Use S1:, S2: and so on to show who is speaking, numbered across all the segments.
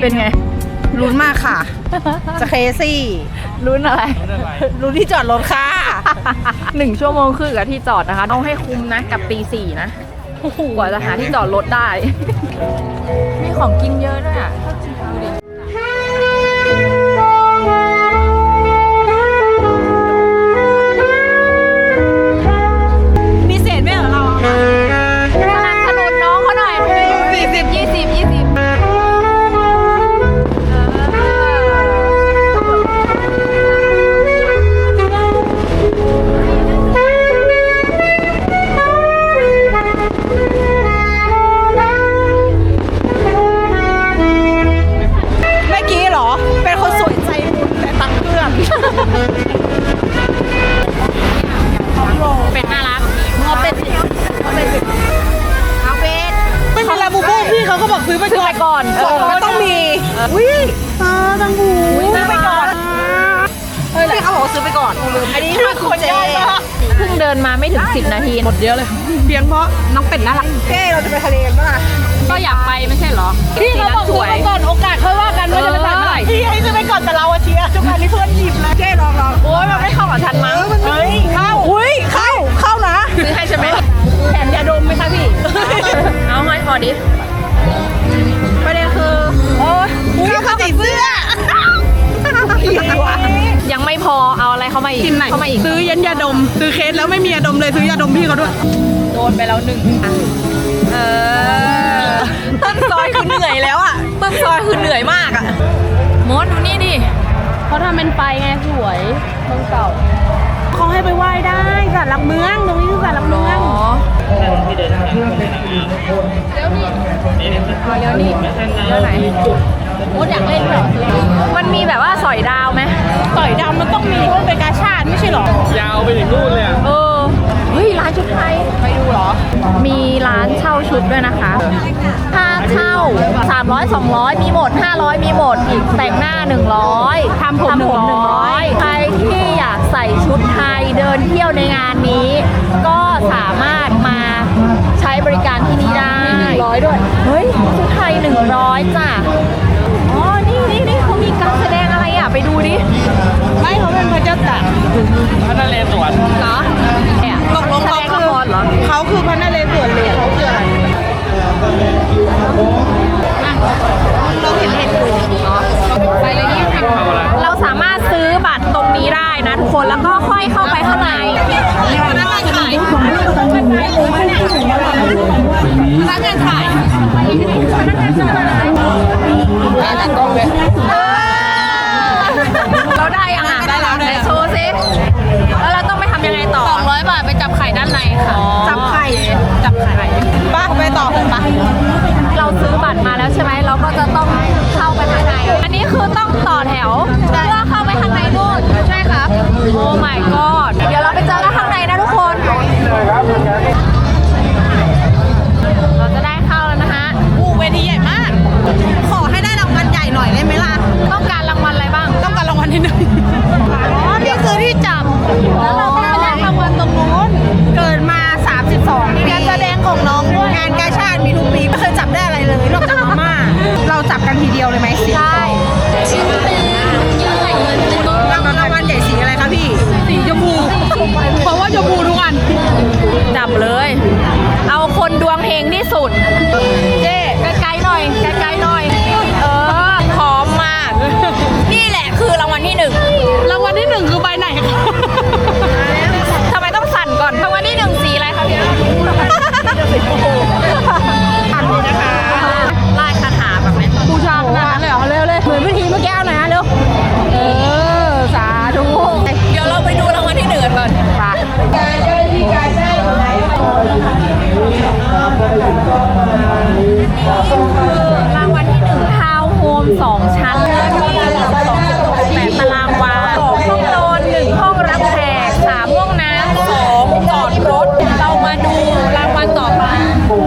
S1: เป็นไง
S2: ลุ้นมากค่ะ จะเคซี่
S1: ลุ้นอะไร
S2: ลุ้นที่จอดรถค่ะ
S1: 1 ชั่วโมงครึ่งกับที่จอดนะคะต้องให้คุ้มนะกับตี 4นะกว่าจะหาที่จอดรถได้ มีของกินเยอะด้วยอ่ะดูดิ
S2: มีเศษไหมเหรอเรา
S1: สนับสนุนน้องเขาหน่อย40 20
S2: เป็นคนสวยใจบุญแต่ตังเพื่อน
S1: เป็ดน่ารัก
S2: เอาเป็ดเอาเป็ดไม่มีลาบูบูพี่เขาก็บอกซื้อไป
S1: ก่อน
S2: มันต้องมีอุ้ยตาตังหูซื้อไปก่อนพี่เขาบอกซื้อไปก่อนอันนี้คือคนเจ๊
S1: เพิ่งเดินมาไม่ถึง10 นาทีหมดเยอะเลย
S2: เพียงเพราะน้องเป็ดน่ารักเจ๊เราจะไปทะเลกันป่ะ
S1: ก็อยากไปไม่ใช่เหรอ
S2: พี่เขาบอกซื้อไปก่อนโอกาสค่อยว่ากันว่าจะไปจ่ายเมื่อไหร่พี่ให้ซื้อไปก่อนแต่เราเชียร์ทุกอันนี้เพื่อนหยิบเลยเจ๊ลอง
S1: โอ้ยมันไม่เข้ากับฉันมั้ง
S2: เฮ้ยเข้าอุ้ยเข้านะ
S1: ซื้อให้ใช่ไหม
S2: แถมยาดมไหมคะพี่
S1: เอาให้พอดิประเด็นคือ
S2: โอ้ยเข้ากับเสื้อ
S1: ยังไม่พอเอาอะไรเข้ามาอีก
S2: ซื้อยันยาดมซื้อเคสแล้วไม่มียาดมเลยซื้อยาดมพี่เขาด้วย
S1: โดนไปแล้ว1ต้นซอยคือเหนื่อยแล้วอ่ะต้นซอยคือเหนื่อยมากอ่ะมดดูนี่ดิเขาทำเป็นไฟไงสวยเมืองเก่า
S2: เขาให้ไปไหว้ได้ศาลหลักเมืองตรงนี้คือศาลหลักเมือง
S1: เลี้ยวนี่เลี้ยวไหนมดอยากเล่นเหรอมันมีแบบว่าสอยดาวไหม
S2: สอยดาวมันต้องมีเพราะเป็นกาชาติไม่ใช่หรอย
S3: าวไปถึงนู่นเลย
S1: เฮ้ยร้านชุดไทยไปดูเหรอมีร้านเช่าชุดด้วยนะคะค่าเช่า300 200มีหมด500มีหมดอีกแต่งหน้า100ทำผม100ใครที่อยากใส่ชุดไทยเดินเที่ยวในงานนี้ก็สามารถมาใช้บริการที่นี่ได้100ด้วยเฮ้ยชุดไทย100จ้ะอ๋อนี่เขามีการแสดงอะไรอ่ะไปดูดิ
S2: ไม่เขาเป็นพระเจ้าตาก
S3: พระนเรศวร
S1: เหรอ
S2: ตกลงเขาคือพระนเรศวรเลยเขาคืออะไรเราเห็นดู
S1: ไปเลยเราสามารถซื้อบัตรตรงนี้ได้นะทุกคนแล้วก็ค่อยเข้าไปข้างใน
S2: พนักงานขาย
S1: จัดกล้องเลยเราได้ยังอ่ะได้แล้วโชว์ซิแล้วเราต้องไปทำยังไงต่อ200 บาทไปจับไข่ด้านในค่ะ
S2: จับไข่ป้าไปต่อป้า
S1: เราซื้อบัตรมาแล้วใช่ไหมเราก็จะต้องเข้าไปข้างในอันนี้คือต้องต่อแถวเพื่อเข้าไปข้างในนู่นใช่ครับโอ้ my god เดี๋ยวเราไปเจอกันข้างในนะทุกคนเราจะได้เข้าแล้วนะฮะ
S2: เวทีใหญ่มากขอให้ได้รางวัลใหญ่หน่อยได้ไหมล่ะ
S1: ต้องการรางวัลอะไรบ้าง
S2: ต้องการรางวัลที่1นี่คือที่จับแล้วเราต้องไปแลกรางวัลตรงนู้นเกิดมา32ปีการแสดงของน้องด้วยงานกาชาติมีทุกปีไม่เคยจับได้อะไรเลยนอกจากมาม่าเราจับกันทีเดียวเลยไหม
S1: ใช่
S2: รางวัลใหญ่สีอะไรคะพี่สีชมพูเพราะว่าชมพูทุกอัน
S1: จับเลยเอาคนดวงเฮงที่สุดเจ๊ไกลๆหน่อยพร้อมมากนี่แหละคือรางวัลที่1
S2: รางวัลที่1คือใบไหนคะ
S1: ทำไมต้องสั่นก่อนรางวัลที่1สีอะไรคะพี่
S2: อันนี้นะคะ
S1: ไล่คาถาแบบนี้
S2: บูชาขนาดนั้นเลยเหรอเร็วเลยเหมือนพิธีเมื่อกี้เอาหน่อยนะเร็วสาธุ
S1: เดี๋ยวเราไปดูรางวัลที่1ก่อนรางวัลที่1ทาวน์โฮม2 ชั้น2.8 ตารางวา2 ห้องนอน1 ห้องรับแขก3 ห้องน้ำ2 จอดรถเรามาดูรางวัลต่อไป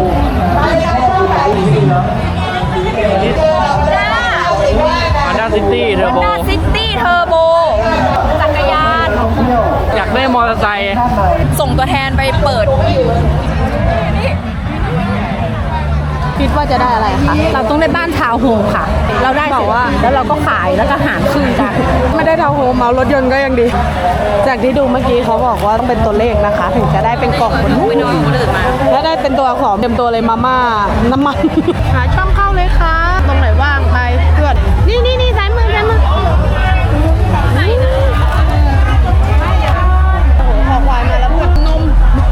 S3: Honda City Turbo
S1: Honda City Turbo จักรยาน
S3: อยากได้มอเตอร์ไซค์
S1: ส่งตัวแทนไปเปิด
S2: คิดว่าจะได้อะไรคะ
S1: เราต้องได้บ้านทาวน์โฮมค่ะ เราได้
S2: บอกว่า
S1: แล้วเราก็ขายแล้วก็หารครึ่งกัน
S2: ไม่ได้ทาวน์โฮมเมารถยนต์ก็ยังดี จากที่ดูเมื่อกี้เขาบอกว่าต้องเป็นตัวเลขนะคะ ถึงจะได้เป็นกล่องบนถ้าได้เป็นตัวอักษรเต็มตัวเลยมาม่าน้ำมันหาช่องเข้าเลยค่ะ ตรงไหนว่างไปเพื่อนนี่ซ้ายมือซ้ายมือโอ้โหขอควายมาแล้วเพื่อนนม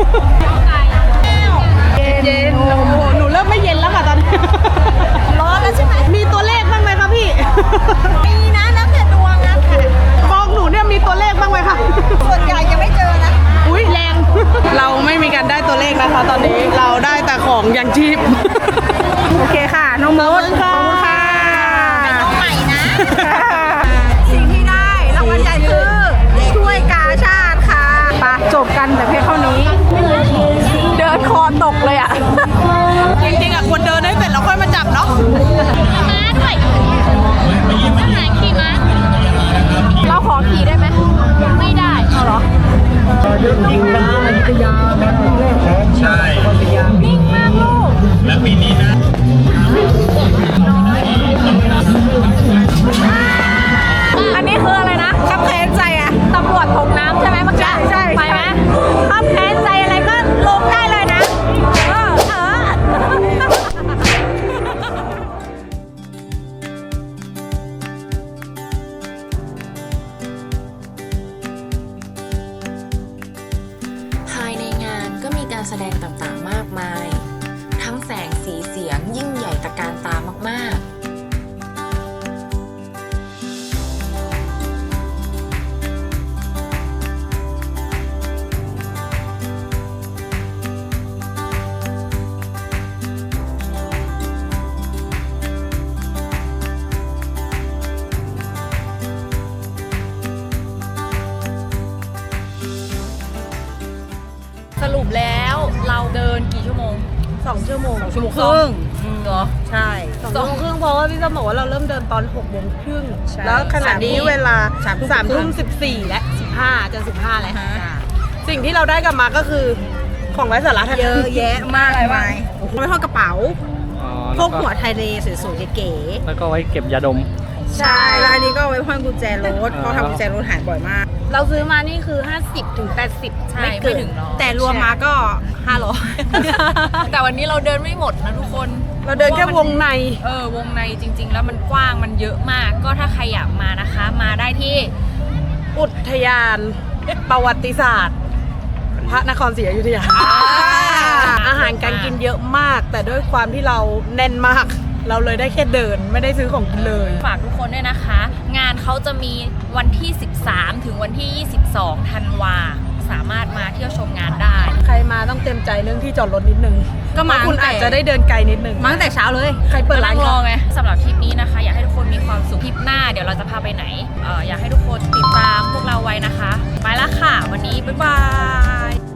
S2: เย็นโอ้โหหนูเริ่มไม่เย็นแล้วค่ะตอนนี้ร้อนแล้วใช่ไหมมีตัวเลขบ้างไหมคะพี่
S4: มีนะแล้วแต่ดวงนะค่ะ
S2: มองหนูเนี่ยมีตัวเลขบ้างไหมคะ
S4: ส่วนใหญ่จะไม่เจอนะ
S2: อุ้ยแรง เราไม่มีการได้ตัวเลขนะคะ ตอนนี้เราได้แต่ของยังชีพ โอเคค่ะน้องมดขอบคุณค่ะ
S4: น้องใหม่นะ สิ่งที่ได้รางวัลใหญ่คือถ้วยกาชาติค่ะ
S2: ไปจบกันแต่เพียงเท่านี้
S1: เดินคอตกเลยอ่ะ
S2: จริงๆอ่ะควรเดินให้เสร็จแล้วค่อยมาจับเนาะ
S1: ม้าด้วยอาหารขี่ม้าเราขอขี่ได้ไหมไม่ได้เอาเหรอนิ่งมากลูกและปีนี้นะอันนี้คืออะไรนะขับแค้นใจอะตำรวจตกน้ำใช่ไหมเมื่อกี้ใช่ไปไหมขับแค้นใจอะไรก็ลงได้เลยนะ
S5: ภายในงานก็มีการแสดงต่างๆมากมาย ทั้งแสงสีเสียงยิ่งใหญ่ตระการตามากๆ
S1: สรุปแล้วเราเดินกี่ชั่วโมง
S2: 2 ชั่วโมง
S1: 2 ชั่วโมงครึ่งเหรอ
S2: ใช่2 ชั่วโมงครึ่งเพราะว่าพี่ส้มบอกว่าเราเริ่มเดินตอน6 โมงครึ่ง
S1: ใช่
S2: แล้วขณะนี้เวลา
S1: 3
S2: ทุ่ม 14 และ 15จะ15แล้วสิ่งที่เราได้กลับมาก็คือของไร้สาระทั้ง
S4: เย
S2: นั้น
S4: อะแยะมากมายไว้ห้องกระเป๋า
S3: อ๋อ
S4: พวกหัวไทยเลสวยๆเก๋
S3: แล้วก็ไว้เก็บยาดม
S4: ๆใช่แล้วอันนี้ก็เอาไว้ห้อยกุญแจรถเพราะทำกุญแจรถหายบ่อยมาก
S2: เราซื้อมานี่คือ 50 ถึง 80
S1: ใช่
S2: ไม่เกิ
S1: ไม่
S2: น
S1: ถึงหรอก
S4: แต่รวมมาก็ 500
S1: แต่วันนี้เราเดินไม่หมดนะทุกคน
S2: เราเดินแค่วงใน
S1: วงในจริง ๆ แล้วมันกว้างมันเยอะมาก ก็ถ้าใครอยากมานะคะ มาได้ที่
S2: อุทยานประวัติศาสตร์ พระนครศรีอยุธยาอาหารการกินเยอะมาก แต่ด้วยความที่เราแน่นมาก เราเลยได้แค่เดินไม่ได้ซื้อของกินเลย
S1: ฝากทุกคนด้วยนะคะ งานเขาจะมีวันที่ 13 ถึงวันที่ 22 ธันวาสามารถมาเที่ยวชมงานได้
S2: ใครมาต้องเต็มใจเรื่องที่จอดรถนิดนึง
S4: ก็มา
S2: เพระคุณ
S4: ตั้งแต่
S2: อาจจะได้เดินไกลนิดนึง
S4: มาตั้งแต่เช้าเลย
S2: ใครเปิดร้าน
S1: รอไงสำหรับทริปนี้นะคะ อยากให้ทุกคนมีความสุขทริปหน้าเดี๋ยวเราจะพาไปไหนอยากให้ทุกคนติดตามพวกเราไว้นะคะ ไปละค่ะ วันนี้บ๊ายบาย